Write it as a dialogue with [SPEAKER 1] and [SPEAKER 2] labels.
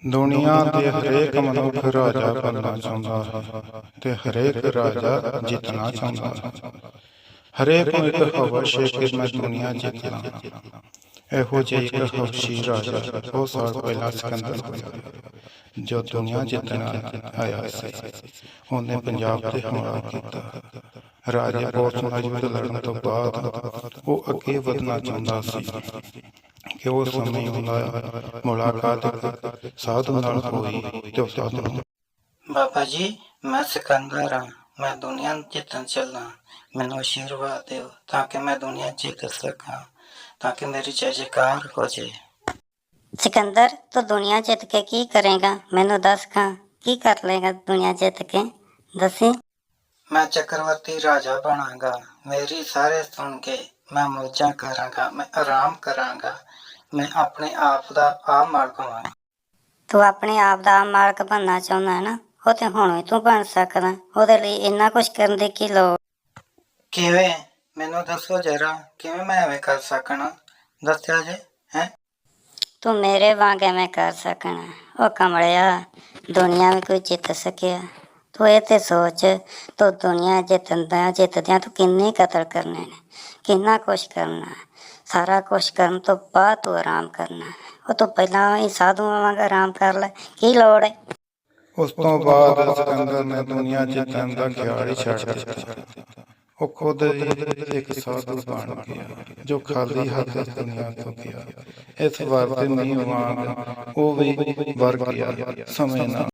[SPEAKER 1] ਦੁਨੀਆ ਦੇ ਹਰੇਕ ਮਨੁੱਖ ਰਾਜਾ ਬਣਨਾ ਚਾਹੁੰਦਾ ਹੈ ਤੇ ਹਰੇਕ ਰਾਜਾ ਜਿੱਤਣਾ ਚਾਹੁੰਦਾ ਹੈ। ਹਰੇਕ ਨੂੰ ਇੱਕ ਹਵਸ ਹੈ ਕਿ ਮੈਂ ਦੁਨੀਆ ਜਿੱਤਣਾ। ਇਹੋ ਜਿਹਾ ਇੱਕ ਹਵਸੀ ਰਾਜਾ ਬਹੁਤ ਸਾਲ ਪਹਿਲਾਂ ਸਿਕੰਦਰ ਹੋਇਆ ਜੋ ਦੁਨੀਆ ਜਿੱਤਣ ਆਇਆ ਸੀ। ਉਹਨੇ ਪੰਜਾਬ ਤੇ ਹਮਲਾ ਕੀਤਾ। ਰਾਜੇ ਪੋਰਸ ਨਾਲ ਯੁੱਧ ਲੜਨ ਤੋਂ ਬਾਅਦ ਉਹ ਅੱਗੇ ਵਧਣਾ ਚਾਹੁੰਦਾ ਸੀ ਕਿ ਉਸ ਸਮੇਂ ਉਹਦਾ ਮੁਲਾਕਾਤ ਇੱਕ ਸਾਧੂ ਨਾਲ ਹੋਈ ਤੇ ਉਹ ਸਾਧੂ ਨੂੰ
[SPEAKER 2] ਬਾਬਾ ਜੀ, ਮੈਂ ਸਿਕੰਦਰ ਹਾਂ। ਮੈਂ ਦੁਨੀਆ ਜਿੱਤਣ ਚੱਲਾਂ। ਮੈਨੂੰ ਆਸ਼ੀਰਵਾਦ ਦਿਓ ਤਾਂ ਕਿ ਮੈਂ ਦੁਨੀਆ ਜਿੱਤ ਸਕਾਂ, ਤਾਂ ਕਿ ਮੇਰੀ ਜੈ ਜੈਕਾਰ ਹੋ ਜਾਏ।
[SPEAKER 3] ਸਿਕੰਦਰ, ਤੂੰ ਦੁਨੀਆ ਜਿੱਤ ਕੇ ਕੀ ਕਰੇਗਾ? ਮੈਨੂੰ ਦੱਸ ਖਾਂ, ਕੀ ਕਰ ਲਏਗਾ ਦੁਨੀਆ ਜਿੱਤ ਕੇ? ਦੱਸੀ।
[SPEAKER 2] ਮੈਂ ਚੱਕਰਵਰਤੀ ਰਾਜਾ ਬਣਾਂਗਾ। ਮੇਰੀ ਸਾਰੇ ਸੁਣ ਕੇ ਮੈਂ ਮੌਜਾਂ ਕਰਾਂਗਾ, ਮੈਂ ਆਰਾਮ ਕਰਾਂਗਾ। ਮੈਂ ਆਪਣੇ ਆਪ ਦਾ ਆਪ ਮਾਲਕ ਹੋਵਾਂਗਾ।
[SPEAKER 3] ਤੂੰ ਆਪਣੇ ਆਪ ਦਾ ਮਾਲਕ ਬਣਨਾ ਚਾਹੁੰਦਾ ਹੈ ਨਾ? ਉਹ ਤੇ ਹੁਣ ਵੀ ਤੂੰ ਬਣ ਸਕਦਾ। ਉਹਦੇ ਲਈ ਇੰਨਾ ਕੁਛ ਕਰਨ ਦੀ ਕੀ ਲੋੜ?
[SPEAKER 2] ਕਿਵੇਂ? ਮੈਨੂੰ ਦੱਸੋ ਜਰਾ, ਕਿਵੇਂ ਮੈਂ ਐਵੇਂ ਕਰ ਸਕਣਾ? ਦੱਸਿਆ ਜੇ ਹੈਂ।
[SPEAKER 3] ਤੂੰ ਮੇਰੇ ਵਾਂਗ ਐਵੇਂ ਕਰ ਸਕਣਾ? ਉਹ ਕਮਲਿਆ, ਦੁਨੀਆ ਵੀ ਕੋਈ ਜਿੱਤ ਸਕਿਆ? ਤੂੰ ਇਹ ਤੇ ਸੋਚ, ਤੂੰ ਦੁਨੀਆ ਜਿੱਤਦਿਆਂ ਤੂੰ ਕਿੰਨੇ ਕਤਲ ਕਰਨੇ ਨੇ, ਕਿੰਨਾ ਕੁਛ ਕਰਨਾ। ਸਾਰਾ ਕੁਛ ਕਰਨ ਤੋਂ ਬਾਅਦ ਤੂੰ ਆਰਾਮ ਕਰਨਾ। ਉਹ ਤੋਂ ਪਹਿਲਾਂ ਹੀ ਸਾਧੂਆਂ ਵਾਂਗ ਆਰਾਮ ਕਰ ਲੈ, ਕੀ ਲੋੜ ਹੈ?
[SPEAKER 1] ਉਸ ਤੋਂ ਬਾਅਦ ਸਿਕੰਦਰ ਨੇ ਦੁਨੀਆ ਜਿੱਤਣ ਦਾ ਖਿਆਲ ਹੀ ਛੱਡ ਦਿੱਤਾ। ਉਹ ਖੁਦ ਹੀ ਇੱਕ ਸਾਧੂ ਬਣ ਗਿਆ ਜੋ ਖਾਲੀ ਹੱਥ ਦੁਨੀਆ ਤੋਂ ਗਿਆ। ਇਸ ਵਾਰ ਤੇ ਨਹੀਂ ਵਾਂਗ ਉਹ ਵੀ ਵਰ ਗਿਆ ਸਮੇਂ ਨਾਲ।